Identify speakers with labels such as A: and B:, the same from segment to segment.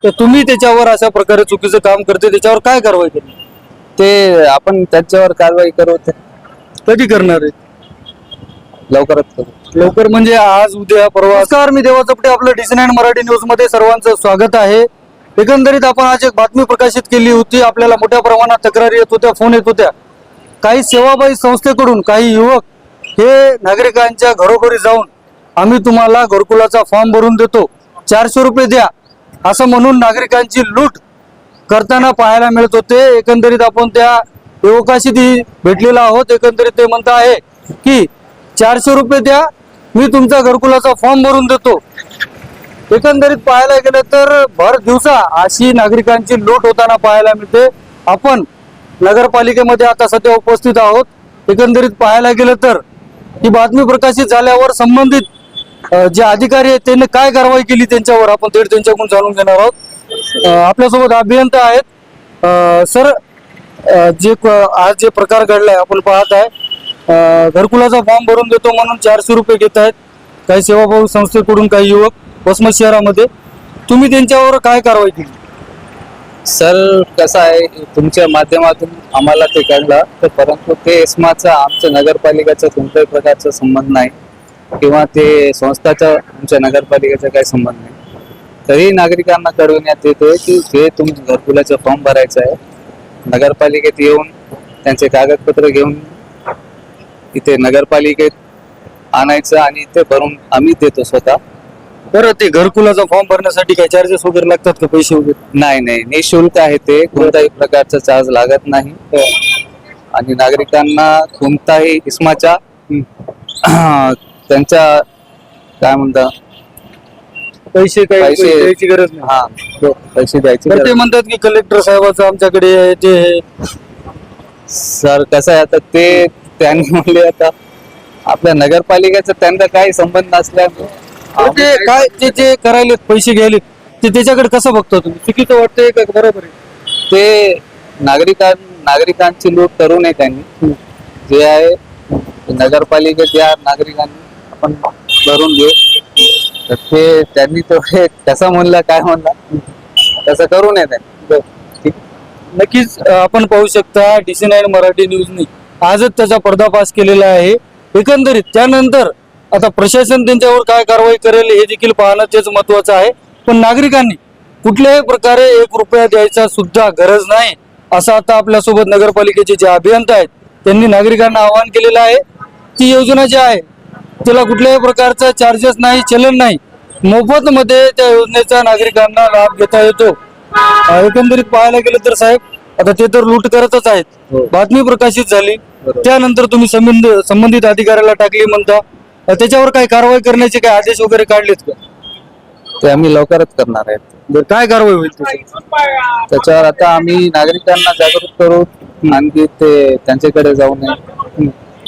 A: तर तुम्ही त्याच्यावर अशा प्रकारे चुकीचं काम करते त्याच्यावर काय कारवाई केली?
B: ते आपण त्याच्यावर कारवाई करू ते
A: कधी करणार आहे?
B: लवकरात करू.
A: लवकर म्हणजे आज उद्या परवा? नमस्कार, मी देवा चपटे, आपलं DC9 मराठी न्यूज मध्ये सर्वांचं स्वागत आहे. एकंदरीत आपण आज एक बातमी प्रकाशित केली होती. आपल्याला मोठ्या प्रमाणात तक्रारी येत होत्या, फोन येत होत्या. काही सेवाबाई संस्थेकडून काही युवक हे नागरिकांच्या घरोघरी जाऊन आम्ही तुम्हाला घरकुलाचा फॉर्म भरून देतो, 400 रुपये द्या, असं म्हणून नागरिकांची लूट करताना पाहायला मिळत होते. एकंदरीत आपण त्या युवकाशी भेटलेलो आहोत. एकंदरीत ते म्हणत आहे की 400 रुपये द्या, मी तुमचा घरकुलाचा फॉर्म भरून देतो. एकंदरीत पाहायला गेलं तर भर दिवसा अशी नागरिकांची लूट होताना पाहायला मिळते. आपण नगरपालिकेमध्ये आता सध्या उपस्थित आहोत. एकंदरीत पाहायला गेलं तर ही बातमी प्रकाशित झाल्यावर संबंधित जे अधिकारी आहेत त्यांनी काय कारवाई केली त्यांच्यावर आपण थेट त्यांच्याकडून जाणून घेणार आहोत. आपल्यासोबत अभियंता आहेत. सर, आज जे प्रकार घडलाय आपण पाहत आहे, घरकुलाचा फॉर्म भरून देतो म्हणून 400 रुपये घेत आहेत काही सेवाभावी संस्थेकडून काही युवक वसमत शहरामध्ये. तुम्ही त्यांच्यावर काय कारवाई केली?
B: सर, कसं आहे, तुमच्या माध्यमातून आम्हाला ते कळलं, तर परंतु ते इस्माचा आमच्या नगरपालिकेचा कोणत्याही प्रकारचा संबंध नाही किंवा ते संस्थाचा आमच्या नगरपालिकेचा काही संबंध नाही. तरी नागरिकांना कळविण्यात येते की जे तुमच्या घरकुलाचा फॉर्म भरायचा आहे, नगरपालिकेत येऊन त्यांचे कागदपत्र घेऊन इथे नगरपालिकेत आणायचं आणि इथे भरून आम्ही देतो स्वतः.
A: बरं, ते घरकुलाचा फॉर्म भरण्यासाठी काही चार्जेस वगैरे लागतात का, पैसे वगैरे?
B: नाही, निशुल्क आहे ते, कोणताही प्रकारचा चार्ज लागत नाही. आणि नागरिकांना कोणताही इस्माच्या त्यांच्या काय म्हणतात
A: पैसे द्यायची गरज नाही.
B: हा, पैसे द्यायचे.
A: तर ते म्हणतात की कलेक्टर साहेबाचं आमच्याकडे आहे ते.
B: सर, कसं आहे, आता ते त्यांनी म्हणले, आता आपल्या नगरपालिकेचा त्यांचा काही संबंध नसल्यामुळे
A: ते काय जे करायले पैसे घ्यायले ते त्याच्याकडे कसं बघतो तुम्ही? चुकीचं वाटतंय का बरोबर आहे?
B: ते नागरिकांची लूट करू नये त्यांनी. जे आहे नगरपालिकेत या नागरिकांनी आपण भरून घेऊ, तर ते त्यांनी तो कसं म्हणलं, काय म्हणलं, तसं करू नये त्यांनी.
A: नक्कीच आपण पाहू शकता DC9 मराठी न्यूजनी आजच त्याचा पर्दाफाश केलेला आहे. एकंदरीत त्यानंतर आता प्रशासन त्यांच्यावर काय कारवाई करेल हे देखील पाहणं तेच महत्वाचं आहे. पण नागरिकांनी कुठल्याही प्रकारे 1 रुपया द्यायचा सुद्धा गरज नाही, असं आता आपल्यासोबत नगरपालिकेचे जे अभियंता आहेत त्यांनी नागरिकांना आवाहन केलेलं आहे. ती योजना जी आहे त्याला कुठल्याही प्रकारचा चार्जेस नाही, चलन नाही, मोफत मध्ये त्या योजनेचा नागरिकांना लाभ घेता येतो. एकंदरीत पाहायला गेलं तर साहेब, आता ते तर लूट करतच आहेत. बातमी प्रकाशित झाली त्यानंतर तुम्ही संबंधित अधिकाऱ्याला टाकली म्हणता, त्याच्यावर काही कारवाई करण्याचे काही आदेश वगैरे काढलेत का?
B: ते आम्ही लवकरच करणार आहेत.
A: काय कारवाई होईल
B: त्याच्यावर? आता आम्ही नागरिकांना जागृत करू, आणखी ते त्यांच्याकडे जाऊ नये.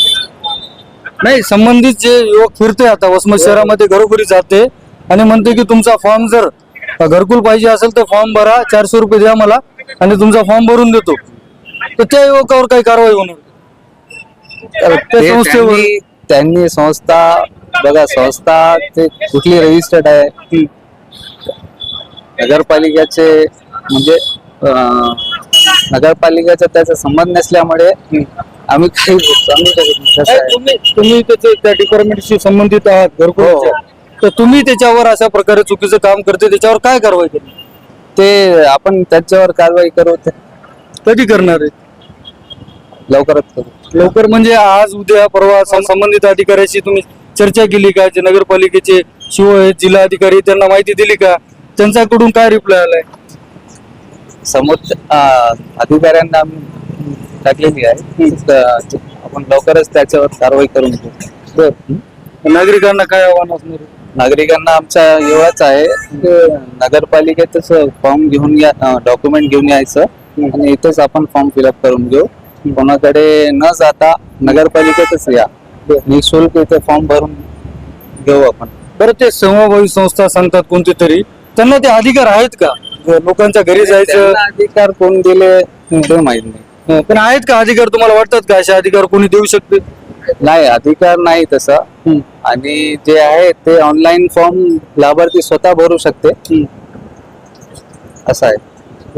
A: नाही, संबंधित जे युवक फिरते आता वसमत शहरामध्ये घरोघरी जाते आणि म्हणते की तुमचा फॉर्म जर घरकुल पाहिजे असेल तर फॉर्म भरा, 400 रुपये द्या मला आणि तुमचा फॉर्म भरून देतो, तर त्या युवकावर काही कारवाई होणार?
B: त्यांनी संस्था बघा, संस्था ते कुठली रजिस्टर्ड आहे नगरपालिकेचे, म्हणजे नगरपालिकेचा त्याचा संबंध नसल्यामुळे आम्ही काही सांगू शकत नाही.
A: तुम्ही त्या डिपार्टमेंटशी संबंधित आहात घरकुलाच्या, तर तुम्ही त्याच्यावर अशा प्रकारे चुकीचं काम करते त्याच्यावर काय कारवाई केली?
B: ते आपण त्याच्यावर कारवाई करू. ते
A: कधी करणार आहे?
B: लवकरात करू.
A: लवकर म्हणजे आज उद्या परवा? संबंधित अधिकाऱ्याशी तुम्ही चर्चा केली का? जे नगरपालिकेचे शिव आहेत, जिल्हा अधिकारी, त्यांना माहिती दिली का? त्यांच्याकडून काय रिप्लाय आलाय?
B: समोर अधिकाऱ्यांना आम्ही टाकलेली आहे. आपण लवकरच त्याच्यावर कारवाई करून घेऊ.
A: नागरिकांना काय आव्हान असणार?
B: नागरिकांना आमचा एवढाच आहे, नगरपालिकेतच फॉर्म घेऊन या, डॉक्युमेंट घेऊन यायचं आणि इथेच आपण फॉर्म फिलअप करून घेऊ. कोणाकडे न जाता नगरपालिकेतच या, निःशुल्क इथे फॉर्म भरून घेऊ आपण.
A: बरं, ते सेवाभावी संस्था सांगतात कोणते तरी, त्यांना ते अधिकार आहेत का लोकांच्या घरी जायचं?
B: अधिकार कोण दिले ते माहित नाही.
A: पण आहेत का अधिकार? तुम्हाला वाटतात का असे अधिकार कोणी देऊ शकते?
B: नाही, अधिकार नाही तसं. आणि जे आहे ते ऑनलाईन फॉर्म लाभार्थी स्वतः भरू शकते. असं आहे.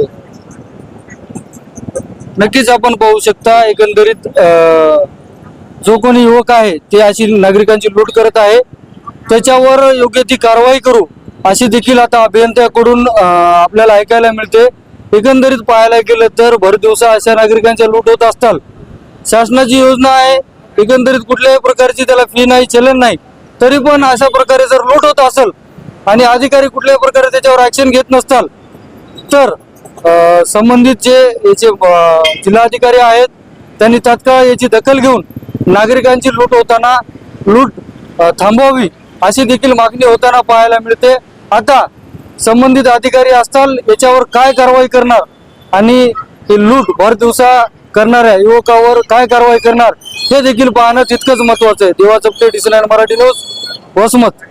A: नक्कीच आपण पाहू शकता एकंदरीत जो कोणी युवक आहे ते अशी नागरिकांची लूट करत आहे, त्याच्यावर योग्य ती कारवाई करू अशी देखील आता अभियंत्याकडून आपल्याला ऐकायला मिळते. एकंदरीत पाहायला गेलं तर भर दिवसा अशा नागरिकांच्या लूट होत असतात. शासनाची योजना आहे, एकंदरीत कुठल्याही प्रकारची त्याला फी नाही, चलन नाही, तरी पण अशा प्रकारे जर लूट होत असेल आणि अधिकारी कुठल्याही प्रकारे त्याच्यावर ऍक्शन घेत नसतात, तर संबंधित जे याचे जिल्हाधिकारी आहेत त्यांनी तात्काळ याची दखल घेऊन नागरिकांची लूट होताना लूट थांबवावी अशी देखील मागणी होताना पाहायला मिळते. आता संबंधित अधिकारी असताल याच्यावर काय कारवाई करणार आणि हे लूट भर दिवसा करणाऱ्या युवकावर काय कारवाई करणार हे देखील पाहणं तितकंच महत्वाचं आहे. दिवा चपटे, DC9 मराठी न्यूज, वसमत.